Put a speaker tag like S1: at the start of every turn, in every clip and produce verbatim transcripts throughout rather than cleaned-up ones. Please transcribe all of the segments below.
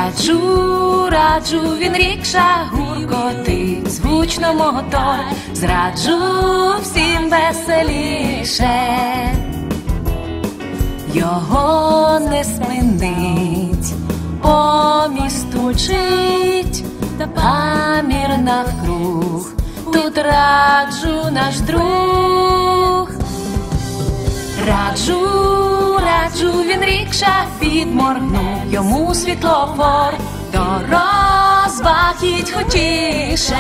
S1: Раджу, раджу, він рікша гуркотить, звучно мотор, зраджу всім веселіше. Його не спинить, по місту чить, гамір навкруг, тут раджу наш друг. Раджу, раджу, він рікша підморгнув, йому світлофор, до розваг їдь хотіше.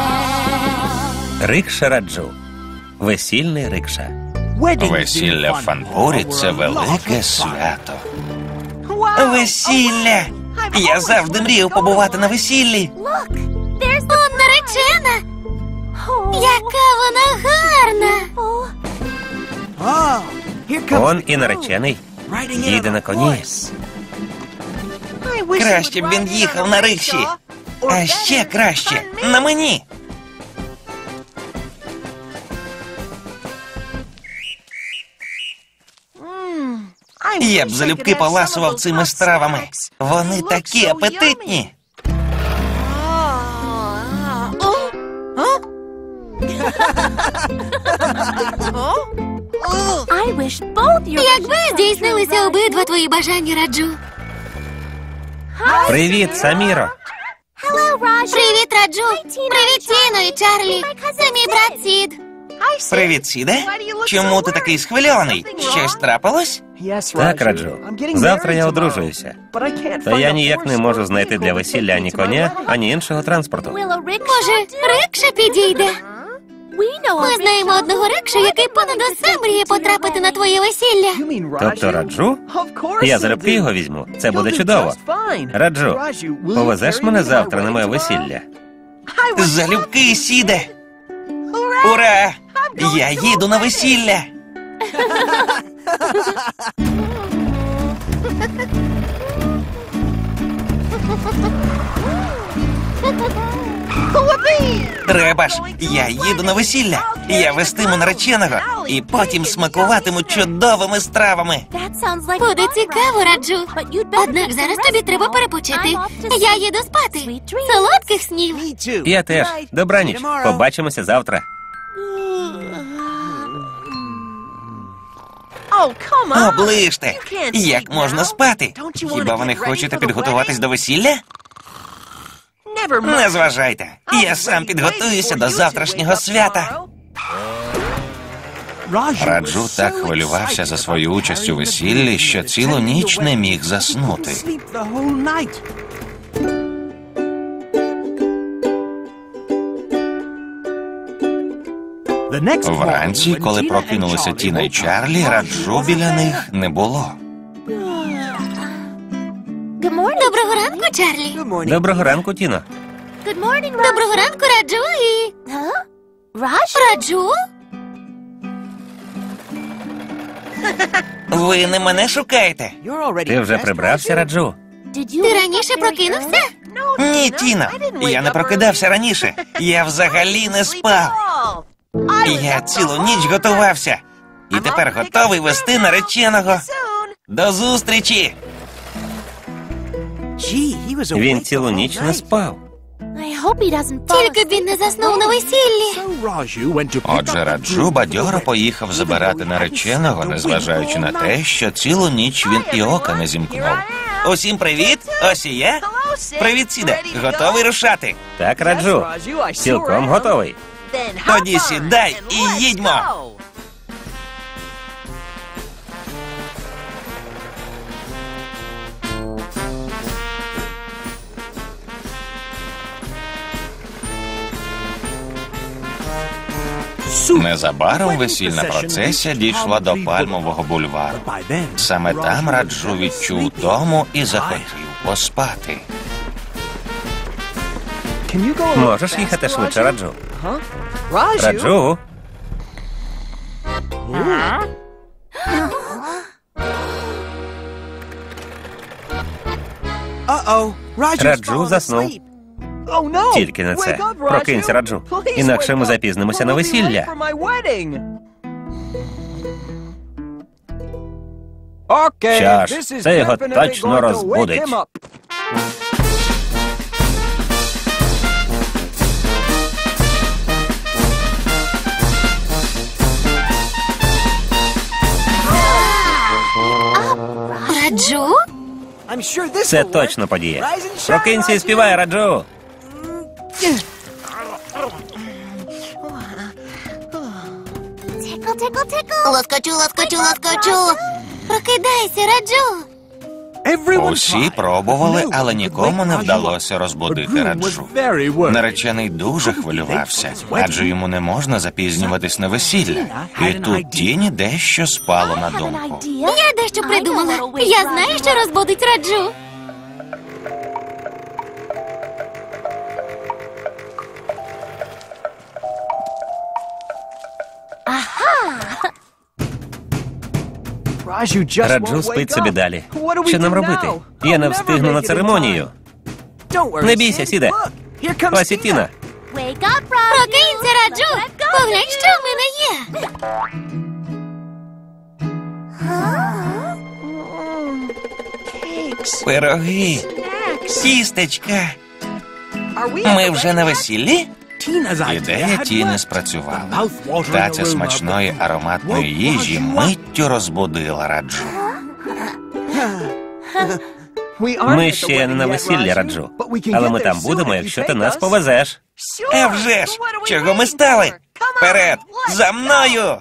S2: Рикша Раджу. Весільний рикша.
S3: Весілля в Фанпурі – це велике свято. Весілля! Я завжди мріяв побувати на весіллі.
S4: Он наречена! Яка вона гарна!
S2: Он і наречений. Їде на коні.
S3: Краще б він їхав на рикші. А ще краще – на мені. Я б залюбки поласував цими стравами. Вони такі апетитні.
S4: Якби здійснилися обидва твої бажання, Раджу.
S2: Привіт, Саміро.
S4: Привіт, Раджу. Привіт, Тіно і Чарлі. Це мій брат Сід.
S3: Привіт, Сіде. Чому ти такий схвильований? Щось трапилось?
S2: Так, Раджу. Завтра я одружуюся. Та я ніяк не можу знайти для весілля ані коня, ані іншого транспорту.
S4: Може, рикша підійде? Ми знаємо одного рикша, який понад усе мріє потрапити на твоє весілля.
S2: Тобто Раджу? Я залюбки його візьму. Це буде чудово. Раджу, повезеш мене завтра на моє весілля?
S3: Залюбки, Сіде. Ура! Я їду на весілля. Треба ж, я їду на весілля. Я вестиму нареченого і потім смакуватиму чудовими стравами.
S4: Буде цікаво, Раджу. Однак зараз тобі треба перепочити. Я їду спати. Солодких снів.
S2: Я теж. Добраніч. Побачимося завтра.
S3: Оближте! Як можна спати? Хіба ви не хочете підготуватись до весілля? Не зважайте. Я сам підготуюся до завтрашнього свята. Раджу так хвилювався за свою участь у весіллі, що цілу ніч не міг заснути. Вранці, коли прокинулися Тіна і Чарлі, Раджу біля них не було.
S4: Доброго ранку, Чарлі.
S2: Доброго ранку, Тіно.
S4: Доброго ранку, Раджу і... Раджу?
S3: Ви не мене шукаєте?
S2: Ти вже прибрався, Раджу?
S4: Ти раніше прокинувся?
S3: Ні, Тіно. Я не прокидався раніше. Я взагалі не спав. Я цілу ніч готувався. І тепер готовий вести нареченого. До зустрічі!
S2: Він цілу ніч не спав.
S4: Тільки б він не заснув на весіллі.
S3: Отже, Раджу бадьоро поїхав забирати нареченого, незважаючи на те, що цілу ніч він і ока не зімкнув. Усім привіт! Ось і я. Привіт, Сіде. Готовий рушати?
S2: Так, Раджу. Цілком готовий.
S3: Тоді сідай і їдьмо! Незабаром весільна процесія дійшла до Пальмового бульвару. Саме там Раджу відчув дому і захотів поспати.
S2: Можеш їхати швидше, Раджу? Раджу? Раджу заснув. Тільки не це. Прокинься, Раджу. Інакше ми запізнимося на весілля. Що ж, це його точно розбудить. Це точно подіє. Прокинься і співай, Раджу.
S4: Лоскочу, лоскочу, лоскочу. Прокидайся, Раджу.
S3: Усі пробували, але нікому не вдалося розбудити Раджу. Наречений дуже хвилювався, адже йому не можна запізнюватись на весілля. І тут Тіні дещо спало на думку.
S4: Я дещо придумала. Я знаю, що розбудить Раджу.
S2: Раджу спить собі далі. Що нам робити? Я не встигну на церемонію. Не бійся, Сіде. Ось і Тіна.
S4: Прокинься, Раджу. Поглянь, що в мене є.
S3: Пироги, тістечка. Ми вже на весіллі? Ідея Тіни спрацювала. Таця смачної ароматної їжі миттю розбудила Раджу.
S2: Ми ще не на весіллі, Раджу. Але ми там будемо, якщо ти нас повезеш.
S3: А вже ж! Чого ми стали? Вперед! За мною!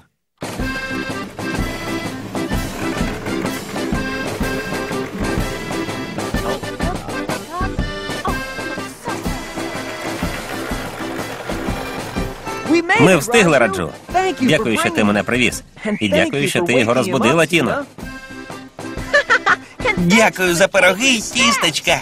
S2: Ми встигли, Раджу. Дякую, що ти мене привіз. І дякую, що ти його розбудила, Тіно.
S3: Дякую за пироги й тістечка.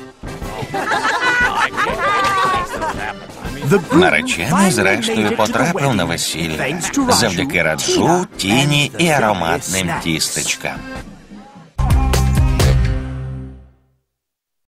S3: Наречений, зрештою, потрапив на весілля. Завдяки Раджу, Тіні і ароматним тістечкам.